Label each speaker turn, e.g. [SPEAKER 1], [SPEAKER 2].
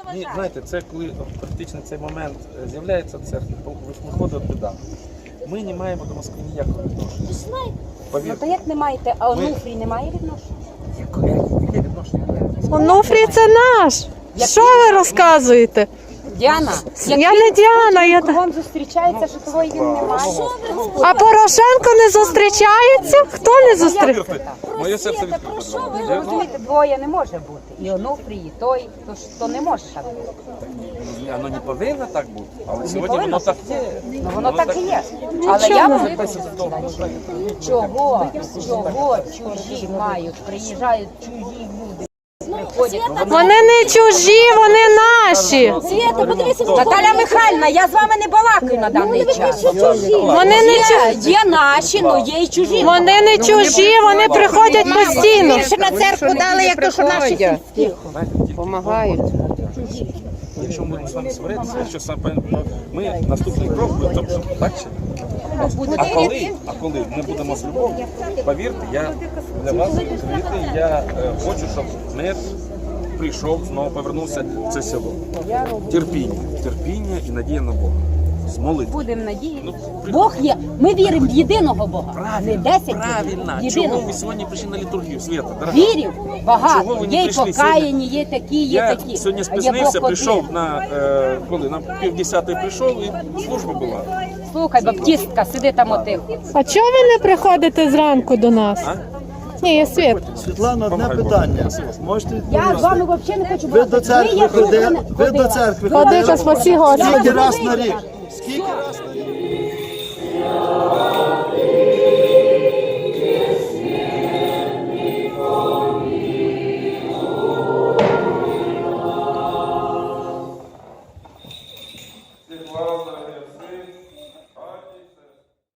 [SPEAKER 1] Ні, знаєте, це коли практично цей момент з'являється в церкві, виходить біда. Ми не маємо до Москви ніякого відношення.
[SPEAKER 2] Ну то як не маєте, а Онуфрій не має відношення?
[SPEAKER 1] Яке відношення?
[SPEAKER 3] Онуфрій це наш. Що ви розказуєте?
[SPEAKER 2] Діана,
[SPEAKER 3] Я не Діана, я та...
[SPEAKER 2] кругом зустрічається, що того і він не має.
[SPEAKER 3] А Порошенко не зустрічається? Хто не зустрічається?
[SPEAKER 1] Моє серце відкрите.
[SPEAKER 2] Розумієте, двоє не може бути. І Онуфрій, і той, то не може так бути.
[SPEAKER 1] Воно не повинно так бути, але сьогодні воно так є.
[SPEAKER 2] Ну воно так і є. Але я вам чого чужі мають, приїжджають чужі люди, приходять.
[SPEAKER 3] Вони не чужі, вони наші.
[SPEAKER 2] Наталя Михайлівна, я з вами не балакаю на даний час.
[SPEAKER 3] Вони не чужі.
[SPEAKER 2] Є наші, але є і чужі.
[SPEAKER 3] Вони не чужі, вони приходять постійно.
[SPEAKER 2] Більше на церкву дали, як то, що наші
[SPEAKER 1] Допомагають. Якщо ми будемо з вами сваритися, якщо саме ми наступний крок будемо так чи ні? А коли ми будемо з любов'ю, повірте, я для вас відкритий, я хочу, щоб мир прийшов, знову повернувся в це село. Терпіння і надія на Бога. З молитви.
[SPEAKER 2] Будемо надіятися. Бог є. Ми віримо в єдиного Бога. Не 10
[SPEAKER 1] Правильно. Чого
[SPEAKER 2] єдиного.
[SPEAKER 1] ви сьогодні прийшли на літургію, Свята? Дорога?
[SPEAKER 2] Вірів
[SPEAKER 1] Чого
[SPEAKER 2] багато.
[SPEAKER 1] ви не
[SPEAKER 2] Є й
[SPEAKER 1] прийшли
[SPEAKER 2] покаяні, є такі, є
[SPEAKER 1] Я
[SPEAKER 2] такі.
[SPEAKER 1] сьогодні
[SPEAKER 2] А є
[SPEAKER 1] спізнився,
[SPEAKER 2] Бог
[SPEAKER 1] прийшов
[SPEAKER 2] один.
[SPEAKER 1] на коли на 9:30 прийшов і служба була.
[SPEAKER 2] Слухай, баптистка, сиди там отих.
[SPEAKER 3] А чого ви не приходите зранку до нас?
[SPEAKER 1] А?
[SPEAKER 3] Ні, я Світ.
[SPEAKER 4] Світлана, одне питання. Можете
[SPEAKER 2] Я з
[SPEAKER 4] відповісти?
[SPEAKER 2] вами взагалі не хочу
[SPEAKER 4] Ви до
[SPEAKER 2] балакати.
[SPEAKER 4] церкви
[SPEAKER 2] є
[SPEAKER 4] ходили?
[SPEAKER 2] слухане.
[SPEAKER 4] Ви до церкви
[SPEAKER 3] Ходи,
[SPEAKER 4] ходили?
[SPEAKER 3] та спаси Господи.
[SPEAKER 4] Скільки раз на рік? Скільки раз на рік?
[SPEAKER 1] Слава